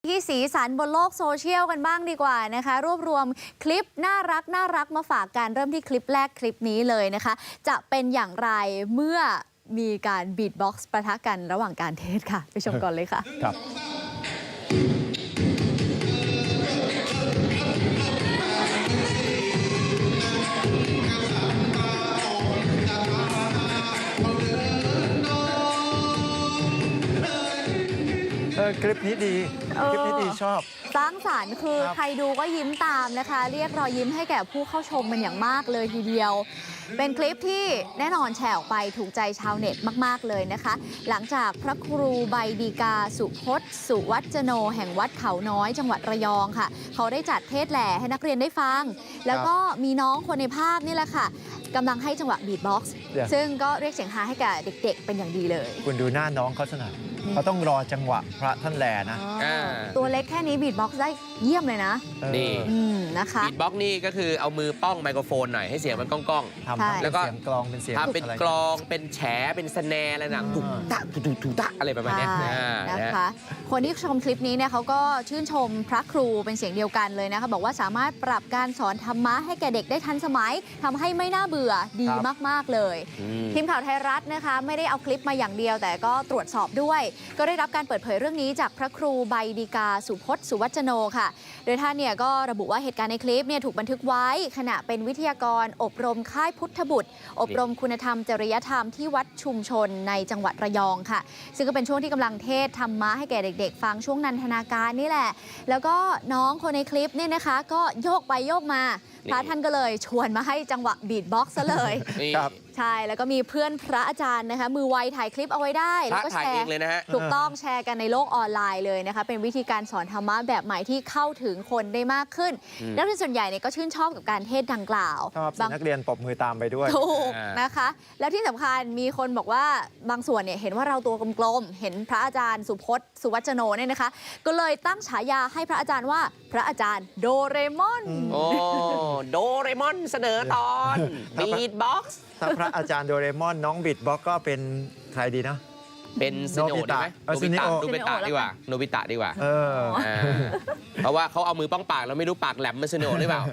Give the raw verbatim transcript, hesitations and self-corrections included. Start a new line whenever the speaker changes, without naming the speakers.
ที่สีสันบนโลกโซเชียลกันบ้างดีกว่านะคะรวบรวมคลิปน่ารักน่ารักมาฝากกันเริ่มที่คลิปแรกคลิปนี้เลยนะคะจะเป็นอย่างไรเมื่อมีการบีทบ็อกซ์ปะทะกันระหว่างการเทศค่ะไปชมก่อนเลยค่ะ
ครับเออคลิปนี้ดีคลิปนี้ดีชอบ
สร้างสรรค์คือใครดูก็ยิ้มตามนะคะเรียกรอยยิ้มให้แก่ผู้เข้าชมเป็นอย่างมากเลยทีเดียวเป็นคลิปที่แน่นอนแชร์ออกไปถูกใจชาวเน็ตมากๆเลยนะคะหลังจากพระครูใบดีกาสุพจน์สุวัจโนแห่งวัดเขาน้อยจังหวัดระยองค่ะเขาได้จัดเทศแหล่ให้นักเรียนได้ฟังแล้วก็มีน้องคนในภาพนี่แหละค่ะกำลังให้จังหวะบีทบ็อกซ์ซึ่งก็เรียกเสียงฮาให้กับเด็กๆเป็นอย่างดีเลย
คุณดูหน้าน้องเขาสนัดเขาต้องรอจังหวะพระท่านแลนะ
ตัวเล็กแค่นี้บีทบ็อกซ์ได้เยี่ยมเลยนะ
นี่
นะคะ
บีทบ็อกซ์นี่ก็คือเอามือป้องไมโครโฟนหน่อยให้เสียงมันก้อง
ๆทำแล้วก็เสียงกลองเป็นเสียง
ทำเป็นกลองเป็นแฉเป็นสแนร์อะไรนะตุกตะตุกตุกตะอะไรประมาณนี้
นะคะคนที่ชมคลิปนี้เนี่ยเขาก็ชื่นชมพระครูเป็นเสียงเดียวกันเลยนะคะบอกว่าสามารถปรับการสอนธรรมะให้แก่เด็กได้ทันสมัยทำให้ไม่น่าเบื่อดีมากๆเลยทีมข่าวไทยรัฐนะคะไม่ได้เอาคลิปมาอย่างเดียวแต่ก็ตรวจสอบด้วยก็ได้รับการเปิดเผยเรื่องนี้จากพระครูใบดีกาสุพจน์สุวัจโนค่ะโดยท่านเนี่ยก็ระบุว่าเหตุการณ์ในคลิปเนี่ยถูกบันทึกไว้ขณะเป็นวิทยากรอบรมค่ายพุทธบุตรอบรมคุณธรรมจริยธรรมที่วัดชุมชนในจังหวัดระยองค่ะซึ่งก็เป็นช่วงที่กำลังเทศธรรมะให้แก่เด็กๆฟังช่วงนันทนาการนี่แหละแล้วก็น้องคนในคลิปเนี่ยนะคะก็โยกไปโยกมาพระท่านก็เลยชวนมาให้จังหวะบีทบ็อกซ์ซะเลย
ครับ
ใช่แล้วก็มีเพื่อนพระอาจารย์นะคะมือไวถ่ายคลิปเอาไว้ได้แล้วก็แชร์ถูกต้องแชร์กันในโลกออนไลน์เลยนะคะเป็นวิธีการสอนธรรมะแบบใหม่ที่เข้าถึงคนได้มากขึ้นนักเรียนส่วนใหญ่เนี่ยก็ชื่นชอบกับการเทศดังกล่าว
บางนักเรียนปรบมือตามไปด้วย
ถูกนะคะแล้วที่สำคัญมีคนบอกว่าบางส่วนเนี่ยเห็นว่าเราตัวกลมๆเห็นพระอาจารย์สุพจน์สุวัจโนเนี่ยนะคะก็เลยตั้งฉายาให้พระอาจารย์ว่าพระอาจารย์โดเรมอน
โอ้โดเรมอนเสนอตอนบีทบ็อกซ์
ถ้าพระอาจารย์โดเรมอนน้องบีทบ็อกก็เป็นใครดีนะ
เป็นซิโนได้ไหมโนบิตะโนบิตะดีกว่าโนบิตะดีกว่าเพราะว่าเขาเอามือป้องปากแล้วไม่รู้ปากแหลมมันซิโนหรือเปล่า